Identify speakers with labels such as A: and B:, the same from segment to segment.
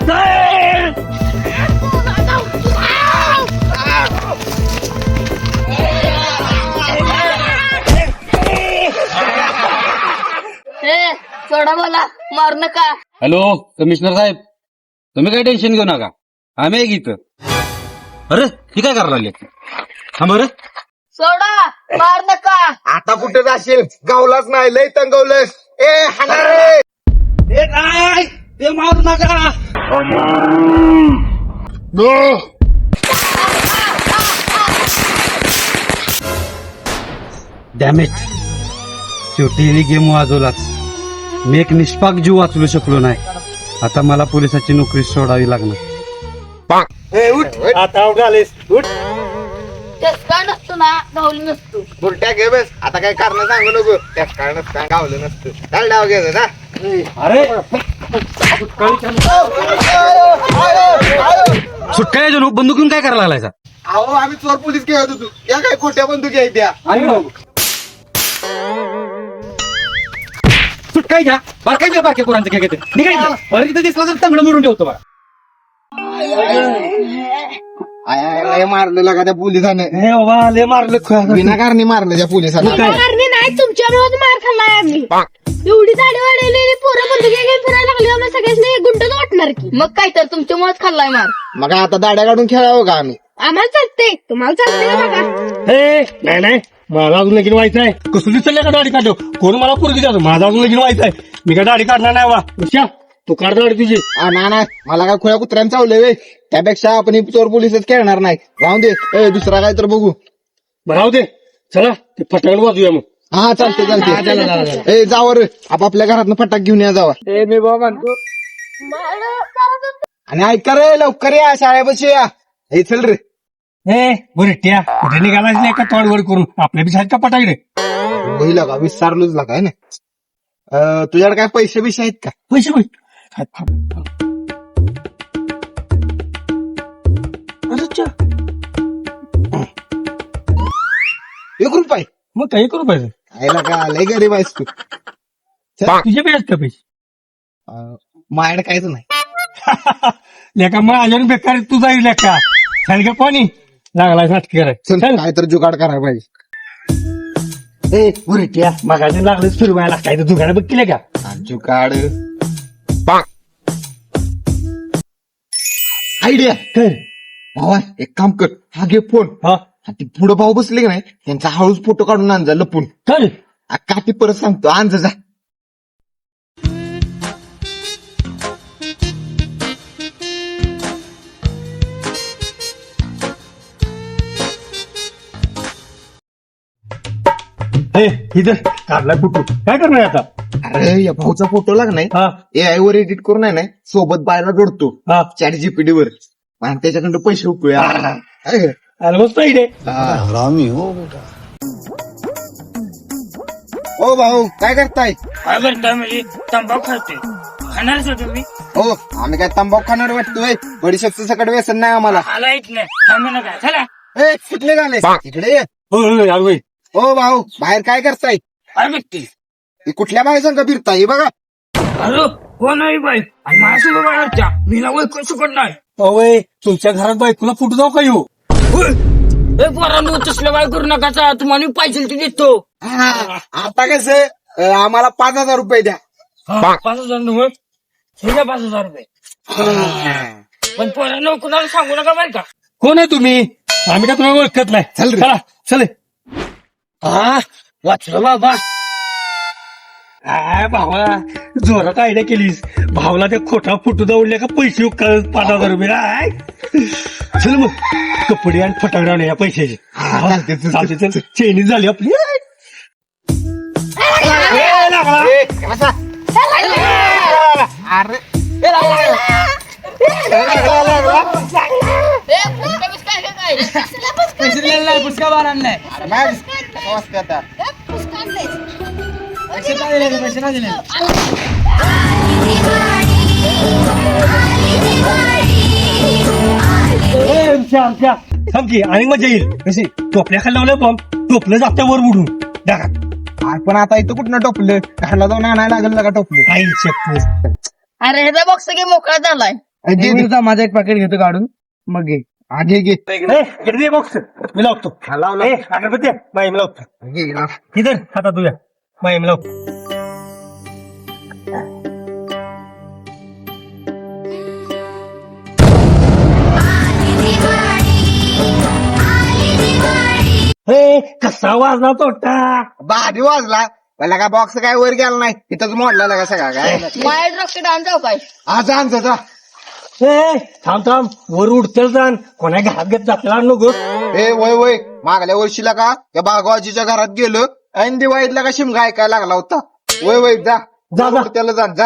A: सोडा मला, मार नका.
B: हॅलो कमिशनर साहेब, तुम्ही काही टेन्शन घेऊ नका, आम्ही आहे इथं. अरे ही काय करायला लागले? हा बरं,
A: सोडा, मार नका.
C: आता कुठे जाशील? गावलाच नाही, लय तंगवलंस. ए हाणार रे.
B: ए काय ते मारू नका. डॅमेज, शेवटी गेम वाजवलाच. मी एक निष्पाक जीव वाचवू शकलो नाही. आता मला पोलिसाची नोकरी सोडावी लागणार.
C: आता उठालेस, उठ.
A: चष्का नसतो ना, गावली नसतो.
C: बुरट्या घे बस. आता काय कारण सांगू नको. त्याच कारणच काय गावलं नसतं. चाल डाव घ्यायचं ना.
B: अरे सुट्ट्या बंदूक घेऊन काय करायला लागलायचा?
C: अहो आम्ही चोर पोलीस घेत होतो. या काय खोट्या बंदुकी आहेत त्या.
B: सुट्ट्या घ्या, बारकायच्या बारक्या पोरांचं काय घेते निघायचं. बरं तिथं दिसला तर तंगड मोडून ठेवतो बघा.
C: लय मारलं लागा त्या पोलिसाने.
B: हे बाबा लय मारलं,
C: विनाकारणी मारलं त्या पोलिसाने.
A: नाही, तुमच्यामुळे मार खाल्लाय आम्ही. एवढी दाढी वाढवलेली पोरं बंदुकी घेऊन फिरायला लागली, आम्हाला सगळ्यांनी गुंडच वाटणार की. मग काय तर तुमच्यामुळेच खाल्लाय मार.
C: मग आता दाड्या काढून खेळावं का आम्ही?
A: आम्हाला चालते, तुम्हाला चालते का बघा.
B: नाही नाही, मला अजून लगीन व्हायचं आहे. कसं दिसलं का दाढी काढतो? कोण मला पोरगी द्या, माझं अजून लगीन व्हायचं आहे. मी काय दाढी काढणार नाही. वा तू काढ दाढी तुझी.
C: नाही मला काय खुल्या कुत्र्यांचं चावलंय वे. त्यापेक्षा आपण ही चोर पोलीसच खेळणार नाही. राहून दे. दुसरा काय तर बघू.
B: राहू दे, चला ते फटाकड वाजूया मग.
C: हा चालते चालते. जावर आपापल्या घरातनं फटाक घेऊन या जावा.
B: मी बाबा म्हणतो.
C: आणि ऐका रे, लवकर या, शाळेपाशी या. हे चल रे.
B: बुरट्या कुठे निघालाच नाही का तोडवड करून? आपल्या बी का फटाकडे
C: होईल का? विसरलोच लागा आहे ना. तुझ्याकडे काय पैसे बिशे आहेत का?
B: पैसे
C: ₹1.
B: मग काही करू पाहिजे.
C: खायला का लय गरीब आहेस तू.
B: तुझे बी आहेत का पैसे?
C: माझ्याकडे काहीच नाही.
B: लेका मग अजून बेकार तू जाईल लेका. सांग का पाणी लागला नाटक करायचं.
C: चल काय तर जुगाड करायला पाहिजे.
B: बुरट्या मगाशी लागलं फिरवायला काय तर दुकानं बघ केले का?
C: जुगाड आयडिया कर भावा. एक काम कर, हा घे फोन.
B: हा
C: ती पुढं भाऊ बसले की नाही, त्यांचा हळूच फोटो काढून आण जा लपून.
B: चल
C: काठी परत सांगतो, आण जा.
B: इथं काढला फोटो काय करणार आता?
C: अरे या भाऊचा फोटो लागलाय.
B: हा
C: AI वर एडिट करून आहे ना, सोबत बायला जोडतो
B: हा
C: चॅट जीपीटी वर. आणि त्याच्याकडं पैसे उकळूया.
B: अरे मस्त आहे.
C: ओ भाऊ काय करताय?
D: काय करता म्हणजे तंबाखू खाते खाणारच हो तुम्ही.
C: हो आम्ही काय तंबाखू खाणार वाटतोय? बडीशेपचं सकट व्यसन नाही आम्हाला.
D: आला येत नाही थांबू नका चला.
C: कुठले गाणे इकडे ये.
B: हो
C: ओ भाऊ बाहेर काय करताय?
D: काय बघते
C: ही कुठल्या बाई संग फिरताय बघा.
D: अरे कोण आहे बाई आणि माझ्यासोबत बाहेरच्या मी ना ओळखू शकत नाही.
B: अवय तुमच्या घरात बायकोला फुटू जाऊ का येऊ?
D: पोरांनो तसलं बाय करू नका. तुम्हाला मी पाहिजे ते देतो.
C: आता कसं आम्हाला ₹5,000 द्या.
D: 5,000 नव्हे ठीक आहे 5,000 रुपये. पण पोरांनो कुणाला सांगू नका बरं का.
B: कोण आहे तुम्ही? आम्ही का तुम्हाला ओळखत नाही.
C: चल रे.
B: चला चल.
D: हा वाचलं बाबा.
B: भावा जोरात आयडिया केलीस. भावला ते खोटा फुटू जाऊन का पैसे ₹5,000. चल मग कपडे आणि फटाकडे आणूया पैशाचे. चालते चल. चेनी झाली आपली.
C: अरे
D: पुष्का बार आणलाय.
C: आता
D: पैसे नाही दिले.
B: थांब की आणि मजा येईल. कशी टोपल्या खाली लावलं बॉम्ब टोपलं जात्या वर उडून डागा.
C: पण आता इथं कुठनं टोपलं? घरला जाऊन आणायला लागेल का टोपलं?
B: काही शकतो.
A: अरे ह्याचा बॉक्स गेम मोकळा झालाय.
C: माझा एक पॅकेट घेतो काढून मग घे घे
B: इकडे दे बॉक्स मी लावतो अगरबत्ती बाई मी लावतो इधर हातात तुझ्या बाई मी लावतो कसा वाजला तोटा
C: भारी वाजला मला का बॉक्स काय वर गेला नाही तिथंच मोडला का सगळा काय
A: वाईट रॉकेट आण जाऊ काय
C: आज आमचं जा
B: थांब थांब वर उडतेल जाण कोणा घरात घेत जातला नको
C: ए वय मागल्या वर्षीला का त्या बागवाजीच्या घरात गेलो आणि दिवाळीतला का शिमगा ऐकायला लागला होता वय जा
B: जा.
C: त्याला जा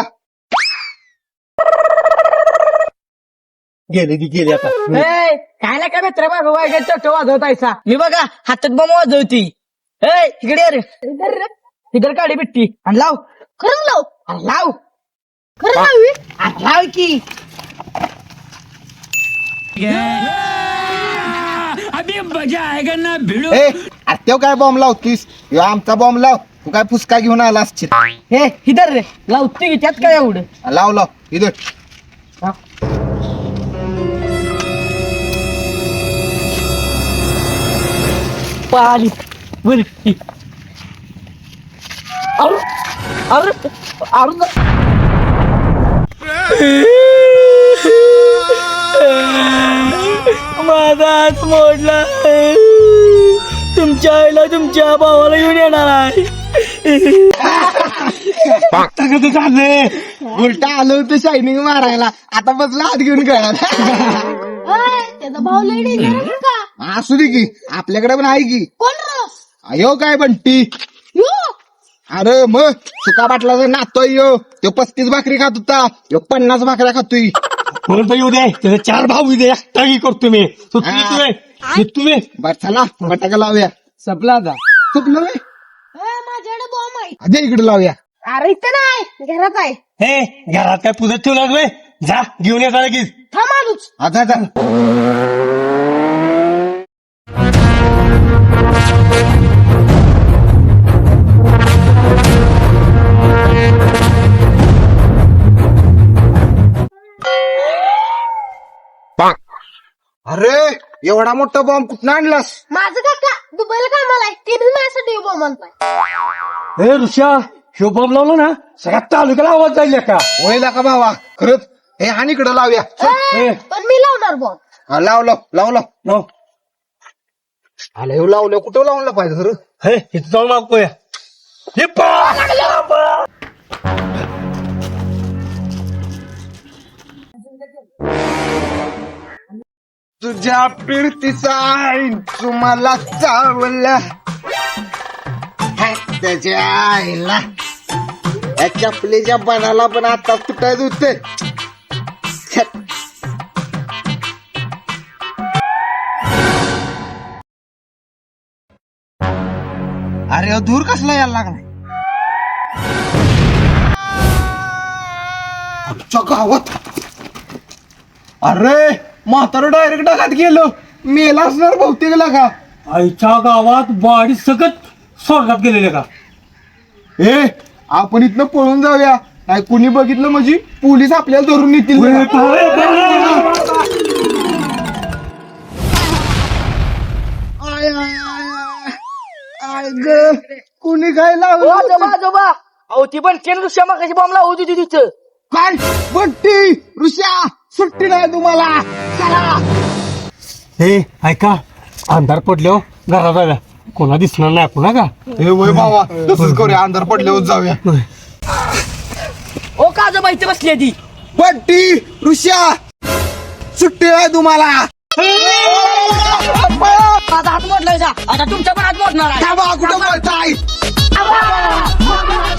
B: गेली आता
D: काय ना काय मित्र बाबा वाईट चोट वाजवतायचा मी बघा हातात बॉम्ब वाजवती इकडे अरे तिकडे काढी बिट्टी आणि लाव
A: खरं लाव
D: आणि लाव
A: खरं लावी
D: आणि लाव की अभी मजा आएगा ना भिडू
C: ए तो काय बॉम्ब लावतीस ह्यो आमचा बॉम्ब लाव तू काय फुसका घेऊन आला असशील
D: हे इधर रे लावती की त्यात काय एवढं
C: लाव इथं
D: पाली वरती अरे अरे अरे माझा हात मोडला तुमच्या आईला तुमच्या भावाला घेऊन येणार आहे
C: उलटा आलो होतं शायनिंग मारायला आता बसला हात घेऊन कळा
A: त्याचा भाऊ लई डेंजर का
C: असू दे की आपल्याकडे पण आहे की
A: कोण राव
C: अयो काय बंटी
A: यो
C: अरे मग सुका बाटलाचा नातोय यो तो 35 भाकरी खात होता यो 50 भाकऱ्या खातोय
B: म्हणून येऊ दे त्याचे 4 भाऊ दे एकटाही करतो मी तुम्ही
C: बर चला फटाका लावूया
D: सपला आता
C: चुकलो
A: माझ्याकडे बॉम्ब आहे
C: अजय इकडे लावूया
A: अरे इथं नाही घरात आहे
B: हे घरात काय पुजत ठेवला रे जा घेऊन येता लगेच
A: थांब आलोच
C: आता अरे एवढा मोठा बॉम्ब कुठं आणलास
A: माझं काका दुबईला कामाला आहे ते बी माझ्यासाठी बॉम्ब आणलाय
B: हे ऋषा शिव बॉम्ब लावलो ना सगळ्यात तालुक्याला आवाज जाईल का
C: वयला का भावा खरंच हे आणि इकडे लावूया
A: पण मी लावणार बॉम्ब
C: हा, लाव आलं हे लावलं कुठं लावलं पाहिजे सर
B: हे इथं जाऊन मागतोय हे
C: तुझ्या पिरतीचा तुम्हाला चावला त्याच्या आईला या चपलीच्या बनाला पण आता तुटायचं होते अरे दूर कसला यायला लागला आमच्या गावात अरे म्हातारं डायरेक्ट डागात गेलो मेला असणार बहुतेक लागा
B: आईच्या गावात बाडी सकट स्वर्गात गेलेले का
C: ए आपण इथनं पळून जाऊया नाही कुणी बघितलं म्हणजे पोलीस आपल्याला धरून नेतील आय ग कुणी काय लावलं
D: आजोबा अहो ती पण केन ऋषा मग कशी बॉम्ब लावू होती तिथं
C: काय बट्टी ऋषा सुट्टी नाही तुम्हाला चला
B: हे ऐका अंधार पडल्यावर घरात जाऊया कोणा दिसणार नाही पुन्हा का
C: हे वय बाबा तसंच करूया अंधार पडल्यावर जाऊया
D: ओ का आजोबा इथे बसली आहे ती
C: बट्टी ऋषा सुट्टी नाही तुम्हाला
D: माझा हात मोडलाय आता तुमचा पण हात मोडणार आहे
C: कुठं बोलताय